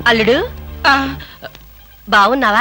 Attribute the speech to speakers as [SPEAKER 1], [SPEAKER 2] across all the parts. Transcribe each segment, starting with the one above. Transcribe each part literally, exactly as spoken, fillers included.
[SPEAKER 1] అల్లుడు బాగున్నావా?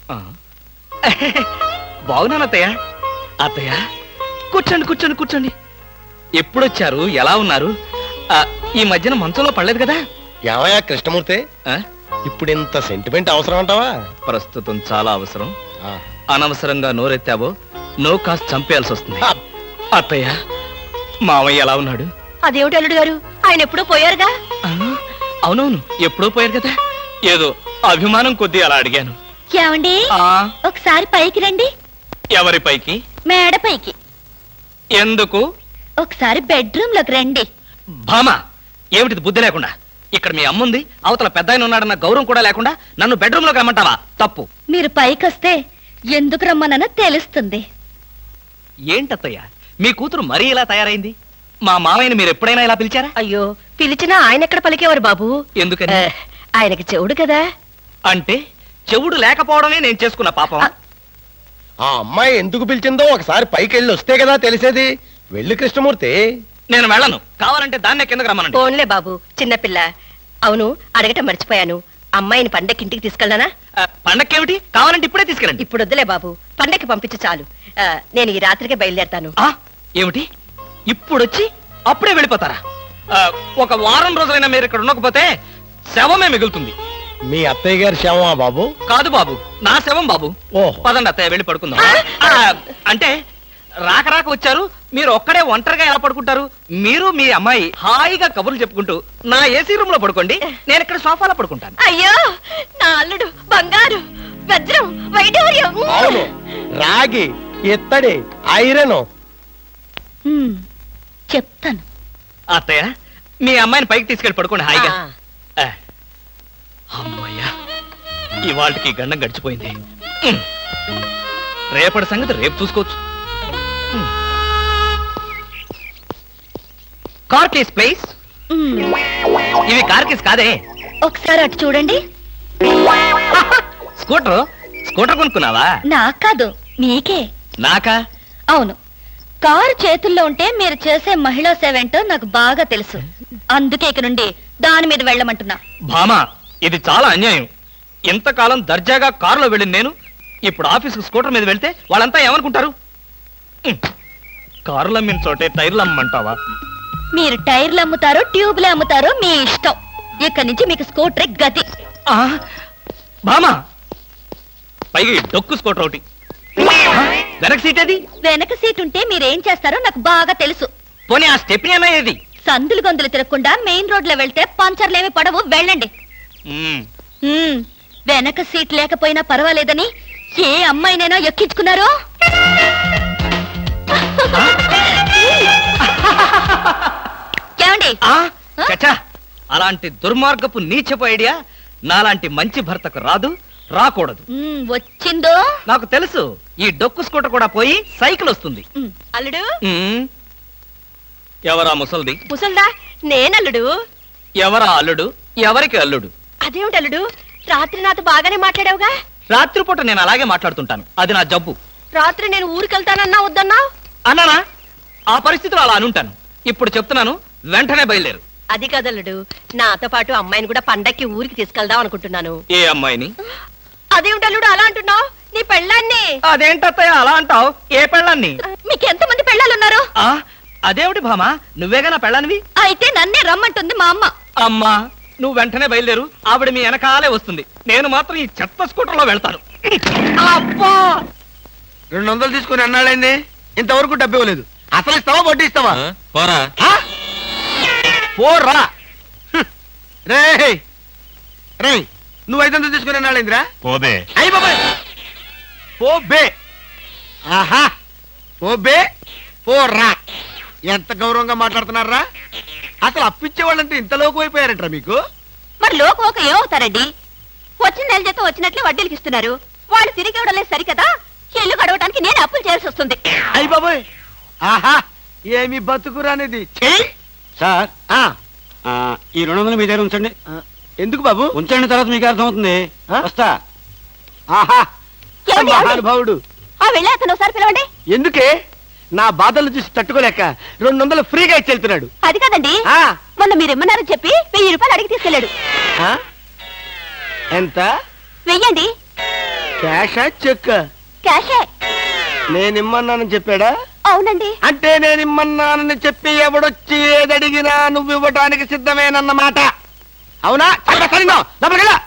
[SPEAKER 2] బాగున్నాను అత్తయ్య. అత్తయ్య కూర్చోండి కూర్చోండి కూర్చోండి. ఎప్పుడొచ్చారు? ఎలా ఉన్నారు? ఈ మధ్యన మంచంలో పడలేదు కదా?
[SPEAKER 3] ఏమయ్యా కృష్ణమూర్తి, ఇప్పుడు ఇంత సెంటిమెంట్ అవసరం అంటావా?
[SPEAKER 2] ప్రస్తుతం చాలా అవసరం. అనవసరంగా నోరెత్తావో నో కాస్త చంపేయాల్సి వస్తుంది. అత్తయ్య మావయ్య ఎలా ఉన్నాడు?
[SPEAKER 1] అదేమిటి అల్లుడు గారు, ఆయన ఎప్పుడూ పోయారుగా?
[SPEAKER 2] అవునవును, ఎప్పుడో పోయారు కదా. ఏదో అభిమానం కొద్దీ అలా అడిగాను.
[SPEAKER 1] ఏమండి ఒకసారి పైకి రండి.
[SPEAKER 2] ఎవరి పైకి?
[SPEAKER 1] మేడ పైకి.
[SPEAKER 2] ఎందుకు?
[SPEAKER 1] ఒకసారి బెడ్రూమ్ లోకి రండి.
[SPEAKER 2] భామా, ఏమిటిది బుద్ధి లేకుండా? ఇక్కడ మీ అమ్ముంది, అవతల పెద్ద ఆయన ఉన్నాడన్న గౌరవం కూడా లేకుండా నన్ను బెడ్రూమ్ లోకి రమ్మంటావా? తప్పు.
[SPEAKER 1] మీరు పైకి వస్తే ఎందుకు రమ్మనో తెలుస్తుంది.
[SPEAKER 2] ఏంటత్తయ్య మీ కూతురు మరీ ఇలా తయారైంది? మా మామయ్యని మీరు ఎప్పుడైనా ఇలా పిలిచారా?
[SPEAKER 1] అయ్యో, పిలిచినా ఆయన ఎక్కడ పలికేవారు బాబు.
[SPEAKER 2] ఎందుకని?
[SPEAKER 1] ఆయనకి చెవుడు కదా.
[SPEAKER 2] అంటే చెవుడు లేకపోవడమే నేను చేసుకున్న పాపం.
[SPEAKER 3] ఆ అమ్మాయి ఎందుకు పిలిచిందో ఒకసారి పైకి వెళ్ళి వస్తే కదా తెలిసేది. వెళ్ళి కృష్ణమూర్తి.
[SPEAKER 2] నేను వెళ్ళను. కావాలంటే దాన్నే కిందకు రమ్మనండి.
[SPEAKER 1] ఫోన్లే బాబు, చిన్నపిల్ల. అవును, అడగటం మర్చిపోయాను. అమ్మాయిని పండక్కి ఇంటికి తీసుకెళ్ళనా?
[SPEAKER 2] పండక్కేమిటి? కావాలంటే ఇప్పుడే తీసుకెళ్ళండి.
[SPEAKER 1] ఇప్పుడు వద్దులే బాబు, పండక్కి పంపించు చాలు. నేను ఈ రాత్రికే బయలుదేరతాను.
[SPEAKER 2] ఏమిటి ఇప్పుడొచ్చి అప్పుడే వెళ్ళిపోతారా? ఒక వారం రోజులైనా మీరు ఇక్కడ ఉండకపోతే శవమే మిగులుతుంది.
[SPEAKER 3] మీ అత్తయ్య గారి శవమా బాబు?
[SPEAKER 2] కాదు బాబు, నా శవం బాబు. పదండి అత్తయ్య, వెళ్ళి పడుకుందాం. అంటే రాక రాక వచ్చారు, మీరు ఒక్కడే ఒంటరిగా ఎలా పడుకుంటారు? మీరు మీ అమ్మాయి హాయిగా కబుర్లు చెప్పుకుంటూ నా ఏసీ రూమ్ లో పడుకోండి, నేను ఇక్కడ సోఫాలో పడుకుంటాను.
[SPEAKER 1] అయ్యో, నా అల్లుడు బంగారు, వజ్రం, వైఢూర్యం,
[SPEAKER 3] రాగి, ఎత్తడి, ఐరన్.
[SPEAKER 1] చెప్తాను.
[SPEAKER 2] అత్తయ్య, మీ అమ్మాయిని పైకి తీసుకెళ్ళి పడుకోండి హాయిగా. అమ్మయ్యా, ఇవాళకి గండం గడిచిపోయింది. రేపటి సంగతి రేపు చూసుకోవచ్చు. Car case please. ఇవి కార్ కేస్ కాదే.
[SPEAKER 1] ఒకసారి అటు చూడండి.
[SPEAKER 2] స్కూటర్ స్కూటర్ కొనుక్కున్నావా?
[SPEAKER 1] నాకు కాదు, మీకే.
[SPEAKER 2] నాకా?
[SPEAKER 1] అవును. కారు చేతుల్లో ఉంటే మీరు చేసే మహిళా సేవ ఏంటో నాకు బాగా తెలుసు. అందుకే ఇక నుండి దాని మీద వెళ్ళమంటున్నా.
[SPEAKER 2] భామా, ఇది చాలా అన్యాయం. ఇంతకాలం దర్జాగా కారులో వెళ్ళింది నేను, ఇప్పుడు ఆఫీసుకు స్కూటర్ మీద వెళ్తే వాళ్ళంతా ఏమనుకుంటారు? కారులు అమ్మిన చోటే టైర్లు అమ్మంటావా?
[SPEAKER 1] మీరు టైర్లు అమ్ముతారో ట్యూబ్లు అమ్ముతారో మీ ఇష్టం. ఇక్కడి నుంచి మీకు స్కూటర్ గతి.
[SPEAKER 2] భామా, పైగా డొక్కు స్కూటర్ ఒకటి. వెనక సీట్ ఏది?
[SPEAKER 1] వెనక సీట్ ఉంటే మీరేం చేస్తారో నాకు బాగా తెలుసు.
[SPEAKER 2] పోనీ ఆ స్టెప్నీ అన్నా ఏది?
[SPEAKER 1] సందులు గొంతులు తిరగకుండా మెయిన్ రోడ్ లో వెళ్తే పంచర్లేమి పడవు, వెళ్ళండి. వెనక సీట్ లేకపోయినా పర్వాలేదని ఏ అమ్మాయినైనా ఎక్కించుకున్నారో? ఏమండి?
[SPEAKER 2] అలాంటి దుర్మార్గపు నీచపు ఐడియా నాలాంటి మంచి భర్తకు రాదు, రాకూడదు.
[SPEAKER 1] వచ్చిందో
[SPEAKER 2] నాకు తెలుసు. ఈ డొక్కు స్కూటర్ కూడా పోయి సైకిల్ వస్తుంది.
[SPEAKER 1] అల్లుడు,
[SPEAKER 2] ఎవరా ముసల్ది?
[SPEAKER 1] ముసల్దా? నేనల్లుడు.
[SPEAKER 2] ఎవరా అల్లుడు? ఎవరికి అల్లుడు?
[SPEAKER 1] అదేమిటి అల్లుడు, రాత్రి నాతో బాగానే మాట్లాడావుగా?
[SPEAKER 2] రాత్రిపూట నేను అలాగే మాట్లాడుతుంటాను, అది నా జబ్బు.
[SPEAKER 1] రాత్రి నేను ఊరికెళ్తానన్నా వద్దన్నా?
[SPEAKER 2] అన్నానా? ఆ పరిస్థితిలో అలా అనుంటాను. ఇప్పుడు చెప్తున్నాను, వెంటనే బయలుదేరు.
[SPEAKER 1] అది కదల్లుడు, నాతో పాటు అమ్మాయిని కూడా పండక్కి ఊరికి తీసుకెళ్దాం అనుకుంటున్నాను.
[SPEAKER 2] ఏ అమ్మాయిని?
[SPEAKER 1] అదేమిటల్లుడు అలా అంటున్నావు? నీ పెళ్ళాన్ని.
[SPEAKER 2] అదేంటత్తయ్య అలా అంటావు? ఏ పెళ్ళాన్ని?
[SPEAKER 1] మీకు ఎంతమంది పెళ్ళాలున్నారు?
[SPEAKER 2] అదేమిటి భామా, నువ్వేగా నా పెళ్ళానివి?
[SPEAKER 1] అయితే నన్నే రమ్మంటుంది మా అమ్మ.
[SPEAKER 2] అమ్మా, నువ్వు వెంటనే బయలుదేరు, ఆవిడ మీ వెనకాలే వస్తుంది. నేను మాత్రం ఈ చెత్త స్కూటర్ లో వెళ్తాను.
[SPEAKER 3] అబ్బా, రెండు వందలు తీసుకుని అన్నాడండి, ఇంతవరకు డబ్బు ఇవ్వలేదు. అసలు ఇస్తావా వడ్డీ ఇస్తావా?
[SPEAKER 2] పోరా
[SPEAKER 3] పోరా. రే రే, నువ్వు ఐదు వందలు తీసుకుని అన్నాడేంద్రా?
[SPEAKER 2] పోబే.
[SPEAKER 3] అయ్యి బాబాయ్, పోబే. ఆహా, పోబే పోరా. ఎంత గౌరవంగా మాట్లాడుతున్నారా? అసలు అప్పిచ్చే వాళ్ళంటే ఇంత లోకు అయిపోయారంటారా మీకు?
[SPEAKER 1] మరి లోకు ఒక ఏమవుతారండి? వచ్చిన నెల జీతం వచ్చినట్లే వడ్డీలకి ఇస్తున్నారు. వాళ్ళు తిరిగి ఇవ్వడం లేదు సరికదా, ఇల్లు గడవడానికి నేను అప్పులు చేయాల్సి వస్తుంది.
[SPEAKER 3] అయ్యి బాబోయ్, ఆహా, ఏమి బతుకురానేది.
[SPEAKER 4] సార్, ఈ రెండు వందలు మీ దగ్గర ఉంచండి.
[SPEAKER 3] ఎందుకు బాబు?
[SPEAKER 4] ఉంచండి, తర్వాత మీకు అర్థమవుతుంది. వస్తా.
[SPEAKER 3] ఆహా, మహానుభావుడు.
[SPEAKER 1] వెళ్ళి అతను ఒకసారి పిలవండి.
[SPEAKER 3] ఎందుకే? నా బాధలు చూసి తట్టుకోలేక రెండు వందలు ఫ్రీగా ఇచ్చి వెళ్తున్నాడు.
[SPEAKER 1] అది కదండి, మొన్న మీరు ఇమ్మన్నారని చెప్పి వెయ్యి రూపాయలు అడిగి తీసుకెళ్ళాడు.
[SPEAKER 3] ఎంత?
[SPEAKER 1] వెయ్యండి.
[SPEAKER 3] క్యాషా చెక్?
[SPEAKER 1] క్యాషే.
[SPEAKER 3] నేనిమ్మన్నానని చెప్పాడా?
[SPEAKER 1] అవునండి.
[SPEAKER 3] అంటే నేనిమ్మన్నానని చెప్పి ఎవడొచ్చి ఏదడిగినా నువ్వు ఇవ్వటానికి సిద్ధమేనన్నమాట. అవునా? చెప్పరా సరిగ్గా? లోపలికి వెళ్ళు.